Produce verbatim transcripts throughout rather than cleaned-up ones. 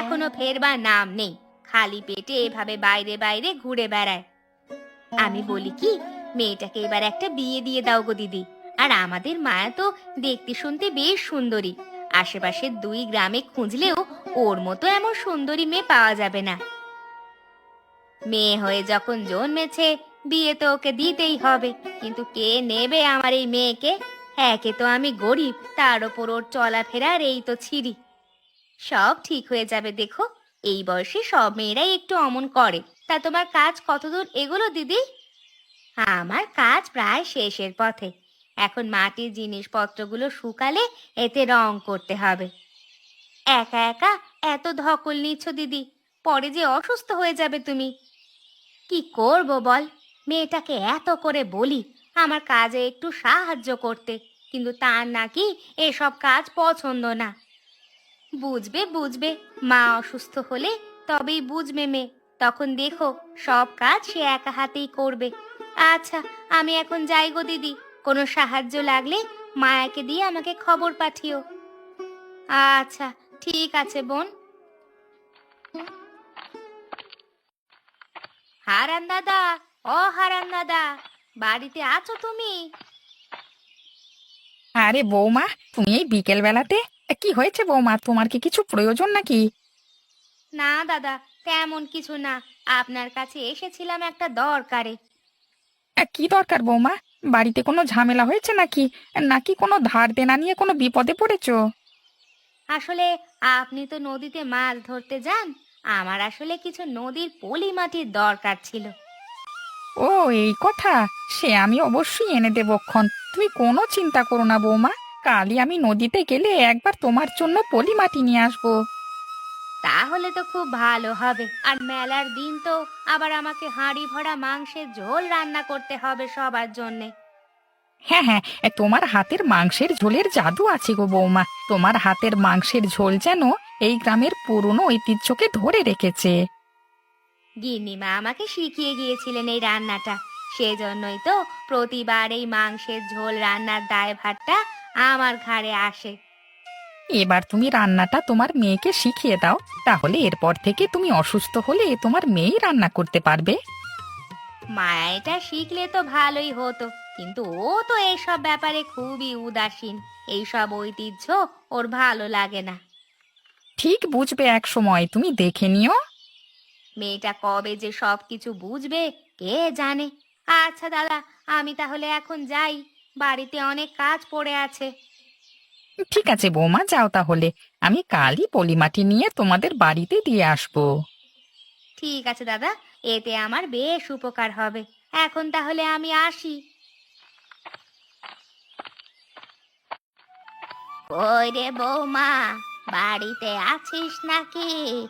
এখনো ফেরবার নাম নেই, খালি পেটে এভাবে বাইরে বাইরে ঘুরে বেড়ায়। আমি বলি কি, মেয়েটাকে এবার একটা বিয়ে দিয়ে দাও গো দিদি। আর আমাদের মায়া তো দেখতে শুনতে বেশ সুন্দরী, আশেপাশের দুই গ্রামে খুঁজলেও ওর মতো এমন সুন্দরী মেয়ে পাওয়া যাবে না। মেয়ে হয়ে যখন জন্মেছে, বিয়ে তো ওকে দিতেই হবে। কিন্তু কে নেবে আমার এই মেয়েকে? একে তো আমি গরিব, তার ওপর ওর চলাফেরার এই তো ছিরি। সব ঠিক হয়ে যাবে দেখো, এই বয়সে সব মেয়েরাই একটু অমন করে। তা তোমার কাজ কতদূর এগোলো দিদি? আমার কাজ প্রায় শেষের পথে। এখন মাটির জিনিসপত্রগুলো শুকালে এতে রং করতে হবে। একা একা এত ধকল নিচ্ছ দিদি, পরে যে অসুস্থ হয়ে যাবে তুমি। কি করব বল, মেয়েটাকে এত করে বলি আমার কাজে একটু সাহায্য করতে, কিন্তু তার নাকি এসব কাজ পছন্দ না। বুঝবে বুঝবে, মা অসুস্থ হলে তবেই বুঝবে মেয়ে, তখন দেখো সব কাজ সে একা হাতেই করবে। আচ্ছা, আমি এখন যাই গো দিদি, কোনো সাহায্য লাগলে মায়াকে দিয়ে আমাকে খবর পাঠিও। আচ্ছা, ঠিক আছে বোন। হারান দাদা, ও হারান দাদা, বাড়িতে আছো তুমি? আরে বৌমা, তুমি এই বিকেল বেলাতে? কি হয়েছে বৌমা, তোমার কি কিছু প্রয়োজন নাকি? না দাদা, তেমন কিছু না, আপনার কাছে এসেছিলাম একটা দরকারে। আ, কি দরকার বৌমা? বাড়িতে কোনো ঝামেলা হয়েছে নাকি? নাকি কোনো ধার দেনা নিয়ে কোনো বিপদে পড়েছো? আসলে আপনি তো নদীতে মাছ ধরতে যান, আমার আসলে কিছু নদীর পলি মাটির দরকার ছিল। ও, এই কথা! সে আমি অবশ্যই এনে দেবক্ষণ। তুমি কোনো চিন্তা করো না বৌমা, কালই আমি নদীতে গেলে একবার তোমার জন্য পলি মাটি নিয়ে আসবো। তাহলে তো খুব ভালো হবে। আর মেলার দিন তো আবার আমাকে হাঁড়ি ভরা মাংসের ঝোল রান্না করতে হবে সবার জন্যে। হ্যাঁ হ্যাঁ, এ, তোমার হাতের মাংসের ঝোলের জাদু আছে গো বৌমা। তোমার হাতের মাংসের ঝোল যেন এই গ্রামের পুরনো ঐতিহ্যকে ধরে রেখেছে। গিন্নিমা আমাকে শিখিয়ে গিয়েছিলেন এই রান্নাটা, সেজন্যই তো প্রতিবার এই মাংসের ঝোল রান্নার দায়ভারটা আমার ঘাড়ে আসে। এবার তুমি রান্নাটা তোমার মেয়েকে শিখিয়ে দাও, তাহলে এরপর থেকে তুমি অসুস্থ হলে তোমার মেয়েই রান্না করতে পারবে। মায়া এটা শিখলে তো ভালোই হতো, কিন্তু ও তো এইসব ব্যাপারে খুবই উদাসীন। এইসব ঐতিহ্য ওর ভালো লাগে না। ঠিক বুঝবে এক সময়, তুমি দেখে নিও। মেয়েটা কবে যে সব কিছু বুঝবে কে জানে। আচ্ছা দাদা, আমি তাহলে এখন যাই, বাড়িতে অনেক কাজ পড়ে আছে। ঠিক আছে বৌমা, যাও তাহলে। আমি কালই পলিমাটি নিয়ে তোমাদের বাড়িতে দিয়ে আসবো। ঠিক আছে দাদা, এতে আমার বেশ উপকার হবে। এখন তাহলে আমি আসি। কই রে বৌমা, বাড়িতে আছিস নাকি?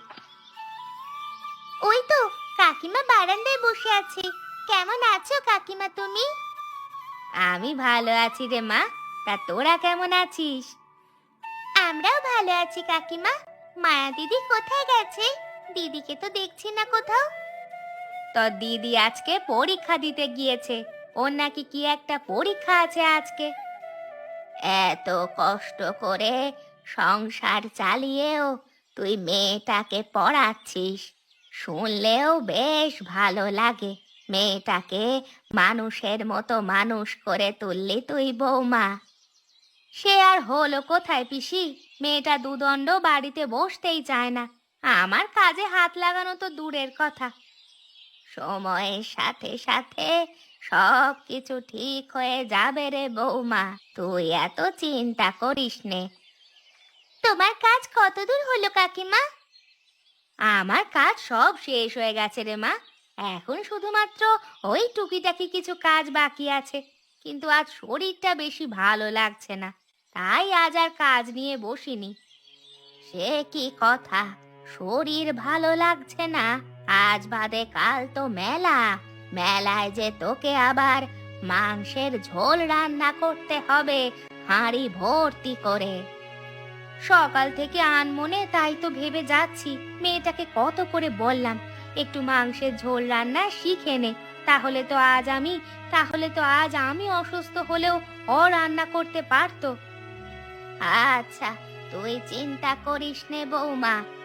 ওই তো কাকিমা বারান্দায় বসে আছে। কেমন আছো কাকিমা তুমি? আমি ভালো আছি রে মা, তা তোরা কেমন আছিস? আমরাও ভালো আছি কাকিমা। মায়া দিদি কোথায় গেছে? দিদিকে তো দেখছি না কোথাও। তোর দিদি আজকে পরীক্ষা দিতে গিয়েছে, ওর নাকি কি একটা পরীক্ষা আছে আজকে। এত কষ্ট করে সংসার চালিয়েও তুই মেয়েটাকে পড়াচ্ছিস, শুনলেও বেশ ভালো লাগে। মেয়েটাকে মানুষের মতো মানুষ করে তুললি তুই বৌমা। সে আর হলো কোথায় পিসি, মেয়েটা দুদণ্ড বাড়িতে বসতেই চায় না। আমার কাজে হাত লাগানো তো দূরের কথা। সময়ের সাথে সাথে সব কিছু ঠিক হয়ে যাবে রে বৌমা, তুই এত চিন্তা করিস নে। তোমার কাজ কতদূর হলো কাকিমা? আমার কাজ সব শেষ হয়ে গেছে রে মা, এখন শুধুমাত্র ওই টুকিটাকি কিছু কাজ বাকি আছে। কিন্তু আজ শরীরটা বেশি ভালো লাগছে না, তাই আজ আর কাজ নিয়ে বসিনি। সে কি কথা, শরীর ভালো লাগছে না? আজ বাদে কাল তো মেলা, মেলায় যে তোকে আবার মাংসের ঝোল রান্না করতে হবে হাঁড়ি ভর্তি করে। সকাল থেকে আনমনে তাই তো ভেবে যাচ্ছি, মেয়েটাকে কত করে বললাম একটু মাংসের ঝোল রান্না শিখে নে, তাহলে তো আজ আমি তাহলে তো আজ আমি অসুস্থ হলেও ও রান্না করতে পারতো। আচ্ছা, তুই চিন্তা করিস নে বৌমা,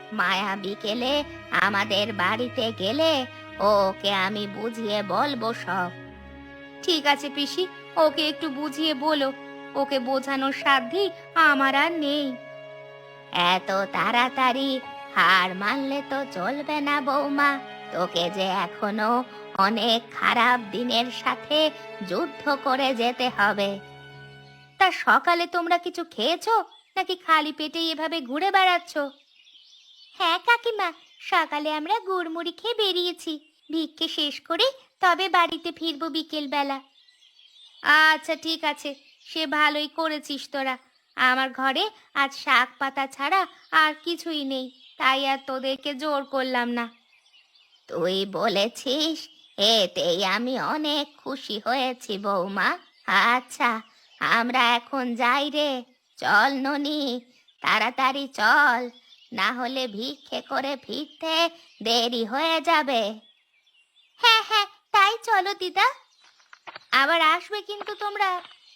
মায়া বিকেলে আমাদের বাড়িতে গেলে ওকে আমি বুঝিয়ে বলবো সব। ঠিক আছে পিসি, ওকে একটু বুঝিয়ে বলো, ওকে বোঝানোর সাধ্যি আমার আর নেই। এত তাড়াতাড়ি হার মানলে তো চলবে না বৌমা, তোকে যে এখনো অনেক খারাপ দিনের সাথে যুদ্ধ করে যেতে হবে। তা সকালে তোমরা কিছু খেয়েছো নাকি খালি পেটে এভাবে ঘুরে বেড়াচ্ছ? হ্যাঁ কাকিমা, সকালে আমরা গুড়মুড়ি খেয়ে বেরিয়েছি, ভিক্ষে শেষ করে তবে বাড়িতে ফিরবো বিকেল বেলা। আচ্ছা ঠিক আছে, সে ভালোই করেছিস তোরা। আমার ঘরে আজ শাক পাতা ছাড়া আর কিছুই নেই, তাই আর তোদেরকে জোর করলাম না। তুই বলেছিস, এতেই আমি অনেক খুশি হয়েছি বৌমা। আচ্ছা, আমরা এখন যাই রে। চল ননি, তাড়াতাড়ি চল, না হলে ভিক্ষে করে ফিরতে দেরি হয়ে যাবে। হ্যাঁ হ্যাঁ, তাই চলো দিদা, আবার আসবে কিন্তু তোমরা।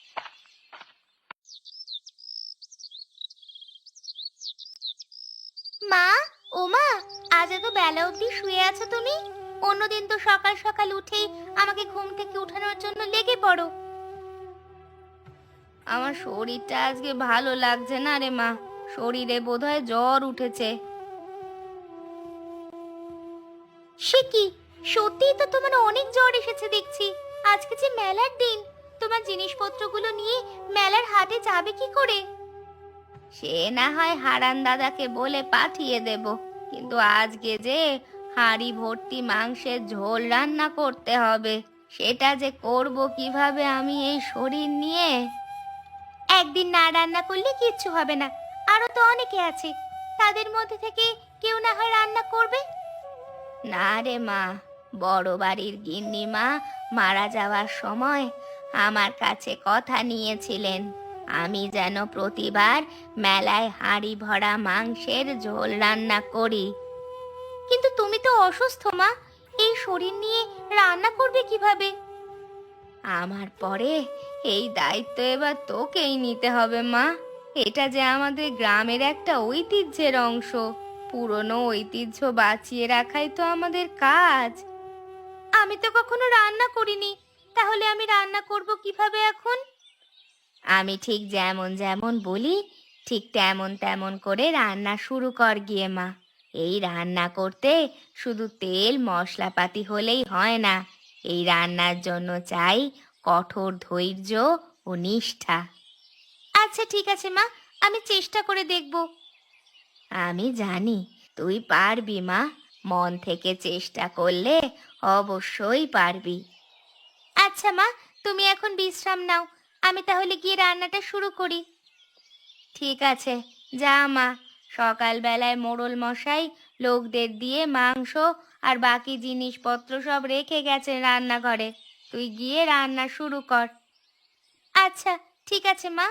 মা, ও মা, আজ এত বেলা অবধি শুয়ে আছো তুমি? অন্যদিন তো সকাল সকাল উঠেই আমাকে ঘুম থেকে উঠানোর জন্য লেগে পড়ো। আমার শরীরটা আজকে ভালো লাগছে না রে মা, শরীরে বোধহয় জ্বর উঠেছে। সে কি, সত্যিই তো তোমার অনেক জ্বর এসেছে দেখছি। আজকে যে মেলার দিন, তোমার জিনিসপত্রগুলো নিয়ে মেলার হাটে যাবে কি করে? সে না হয় হারান দাদাকে বলে পাঠিয়ে দেব, কিন্তু আজকে যে হাঁড়ি ভর্তি মাংসের ঝোল রান্না করতে হবে, সেটা যে করব কিভাবে আমি এই শরীর নিয়ে? একদিন না রান্না করলে কিচ্ছু হবে না, আরো তো অনেকে আছে, তাদের মধ্যে থেকে কেউ না হয় রান্না করবে। না রে মা, বড় বাড়ির গিন্নি মা মারা যাওয়ার সময় আমার কাছে কথা নিয়েছিলেন, আমি যেন প্রতিবার মেলায় হাঁড়ি ভরা মাংসের ঝোল রান্না করি। কিন্তু তুমি তো অসুস্থ মা, এই শরীর নিয়ে রান্না করবে কিভাবে? আমার পরে এই দায়িত্ব এবার তোকেই নিতে হবে মা। এটা যে আমাদের গ্রামের একটা ঐতিহ্যের অংশ, পুরনো ঐতিহ্য বাঁচিয়ে রাখাই তো আমাদের কাজ। আমি তো কখনো রান্না করিনি, তাহলে আমি রান্না করব কিভাবে এখন? আমি ঠিক যেমন যেমন বলি, ঠিক তেমন তেমন করে রান্না শুরু কর গিয়ে মা। এই রান্না করতে শুধু তেল মশলাপাতি হলেই হয় না, এই রান্নার জন্য চাই কঠোর ধৈর্য ও নিষ্ঠা। আচ্ছা ঠিক আছে মা, আমি চেষ্টা করে দেখব। আমি জানি তুই পারবি মা, মন থেকে চেষ্টা করলে অবশ্যই পারবি। আচ্ছা মা, তুমি এখন বিশ্রাম নাও, আমি তাহলে গিয়ে রান্নাটা শুরু করি। ঠিক আছে, যা মা। সকালবেলায় মোড়ল মশাই লোকদের দিয়ে মাংস আর বাকি জিনিসপত্র সব রেখে গেছেন রান্নাঘরে, তুই গিয়ে রান্না শুরু কর। আচ্ছা ঠিক আছে মা।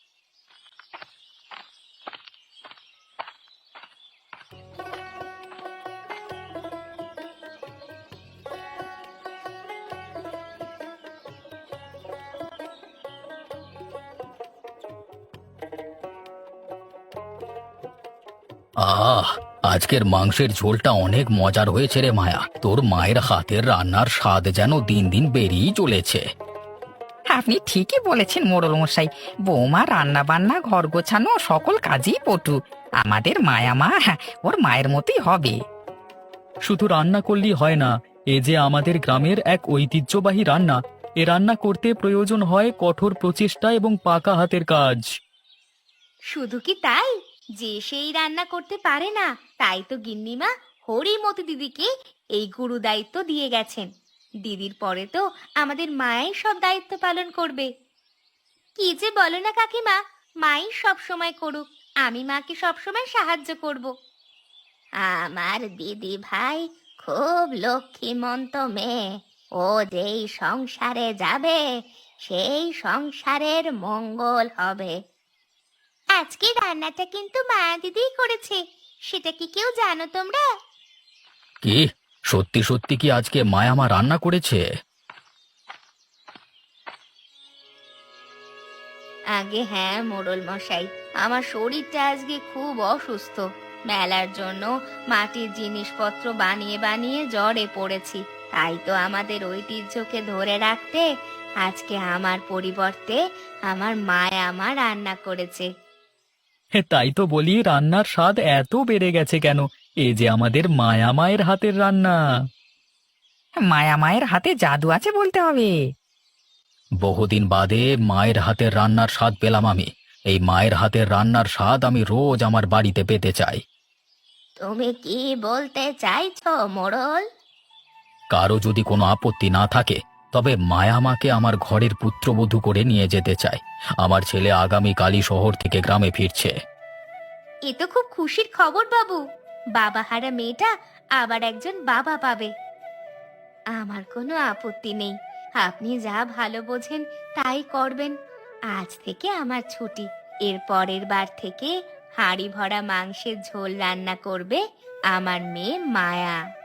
আহ, আজকের মাংসের ঝোলটা অনেক মজার হয়েছে রে মায়া। তোর মায়ের হাতের রান্নার স্বাদ যেন দিন দিন বেরিয়েই চলেছে। আপনি ঠিকই বলেছেন মোড়ল মশাই, বৌমা রান্না বান্না ঘর গোছানো সকল কাজেই পটু। আমাদের মায়া মা, হ্যাঁ, ওর মায়ের মতোই হবে। শুধু রান্না করলেই হয় না, এ যে আমাদের গ্রামের এক ঐতিহ্যবাহী রান্না। এ রান্না করতে প্রয়োজন হয় কঠোর প্রচেষ্টা এবং পাকা হাতের কাজ। শুধু কি তাই, যে সেই রান্না করতে পারে না, তাই তো গিন্নিমা হরিমতি দিদিকে এই গুরু দায়িত্ব দিয়ে গেছেন। দিদির পরে তো আমাদের মাই সব দায়িত্ব পালন করবে। কি যে বলো না কাকিমা, মাই সব সময় করুক, আমি মাকে সব সময় সাহায্য করব। আমার দিদি ভাই খুব লক্ষ্মীমন্ত মেয়ে, ও যেই সংসারে যাবে সেই সংসারের মঙ্গল হবে। আজকে রান্নাটা কিন্তু মায়া দিদিই করেছে, সেটা কি কেউ জানো তোমরা? কি, সত্যি সত্যি কি আজকে মায়া মা রান্না করেছে? আগে হ্যাঁ মোড়ল মশাই, আমার শরীরটা আজকে খুব অসুস্থ, মেলার জন্য মাটির জিনিসপত্র বানিয়ে বানিয়ে জ্বরে পড়েছি। তাই তো আমাদের ঐতিহ্যকে ধরে রাখতে আজকে আমার পরিবর্তে আমার মায়া মা রান্না করেছে। হে, তাই তো বলি রান্নার স্বাদ এত বেড়ে গেছে কেন। এ যে আমাদের মায়া মায়ের হাতের রান্না। মায়া মায়ের হাতে জাদু আছে বলতে হবে। বহুদিন বাদে মায়ের হাতের রান্নার স্বাদ পেলাম আমি। এই মায়ের হাতের রান্নার স্বাদ আমি রোজ আমার বাড়িতে পেতে চাই। তুমি কি বলতে চাইছো মোড়ল? কারো যদি কোনো আপত্তি না থাকে তবে মায়ামাকে আমার ঘরের পুত্রবধূ করে নিয়ে যেতে চাই। আমার ছেলে আগামীকালই শহর থেকে গ্রামে ফিরছে। এ তো খুব খুশির খবর বাবু। বাবা হারা মেয়েটা আবার একজন বাবা পাবে। আমার কোনো আপত্তি নেই, আপনি যা ভালো বোঝেন তাই করবেন। আজ থেকে আমার ছুটি। এর পরের বার থেকে হাঁড়ি ভরা মাংসের ঝোল রান্না করবে আমার মেয়ে মায়া।